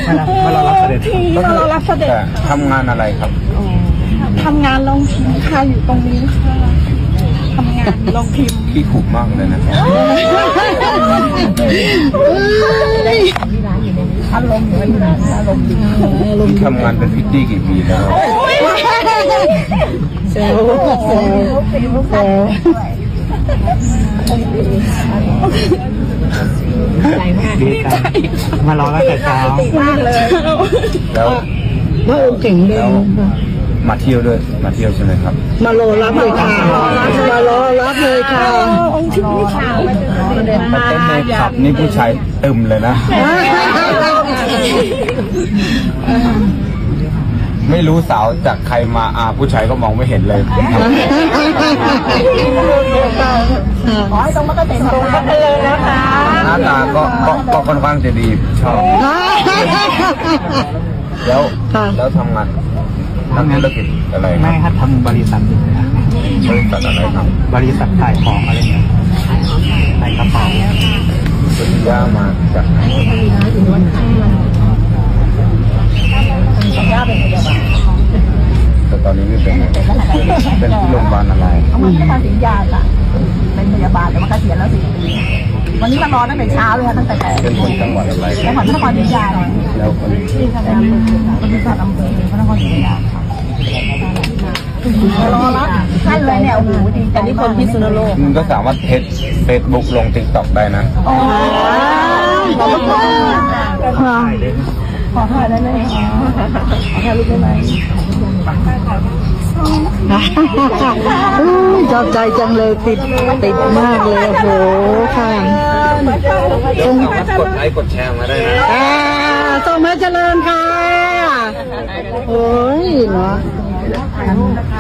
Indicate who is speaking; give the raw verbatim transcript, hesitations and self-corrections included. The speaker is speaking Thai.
Speaker 1: มารอรับเสด็จ
Speaker 2: มารอรับเสด็จ
Speaker 3: ทำงานอะไรครับ
Speaker 2: ทำงานลงพิมพ์ค่ะอยู่ตรงนี้ค่ะทำงานลงพิมพ์
Speaker 3: พี่ขุมากเลยนะครับ
Speaker 2: อารมณ์อยู่นะอารมณ์ดี
Speaker 3: พี่ทำงานเป็นพิตตี้กี่ปีแล้ว
Speaker 2: เซลล์เซลล์เซลล์
Speaker 1: ดีใจมารอรับแต่เช้าม
Speaker 2: ากเลย
Speaker 3: แล้ว
Speaker 4: พระองค์เก่งเลย
Speaker 3: แล้วมาเที่ยวด้วยมาเที่ยวใช่ไหมครับ
Speaker 4: มารอรับเลยค่ะมารอรับเลยค่ะ
Speaker 2: องค์ที่นี่ค่ะ
Speaker 3: มาเต้นในผับนี่ผู้ชายตึมเลยนะ ไม่รู้สาวจากใครมาอาผู้ชายก็มองไม่เห็นเลย
Speaker 2: ขอให้ตรงมาก็เต็มตรงมาเลยนะคะ
Speaker 3: หน้าตาก็ก็ก็ค่อนข้างจะดีชอบแล้วแล้วทำงานทำธุรกิจอะไรค
Speaker 1: ไม่
Speaker 3: รับ
Speaker 1: ครับทำบริษัท
Speaker 3: บริษัทอะไรครับ
Speaker 1: บริษัทขายของอะไรเงี้ยขายกระเป๋า
Speaker 3: ปริญญามาจากไหนแต่ตอนนี้ไม่เป็นเป็นที่โรงพยาบาลอะไร
Speaker 2: มันไม่ทำสินยาจ้ะเป็นพยาบาลแต่ว่าเกษียณแล้วสี่ปีวันนี้มารอตั้งแต่เช้าเลยค่ะตั้งแต่แปด
Speaker 3: เป็นคนจังหวัดอะไรค
Speaker 2: จั
Speaker 3: รั
Speaker 2: ง
Speaker 3: บ
Speaker 2: หวัดนครศรีธรรมราช
Speaker 3: แล้วคน
Speaker 2: ที่ทำงานบริษัทอำเภอพระนครศรีธรรมราชค่ะรอรับท่านเลยเนี่ยโอ้โหดีแต่นี่คนพิษณุโลก
Speaker 3: มึงก็สามารถเทสเฟซบุ๊กลงติ๊กต็อกได้นะ
Speaker 2: โอ้ยขอบคุณค่ะ ขอถ่ายได้ไหมขอถ่ายรูปได้ไหม
Speaker 4: ชอบใจจังเลยติดติดมากเลยโอ้โหค่ะ
Speaker 3: เดี๋ยวสามารถกดไลค์กดแชร์มาได้นะ
Speaker 4: อ่าส่งมาเจริญค่ะโอ้ยเนาะ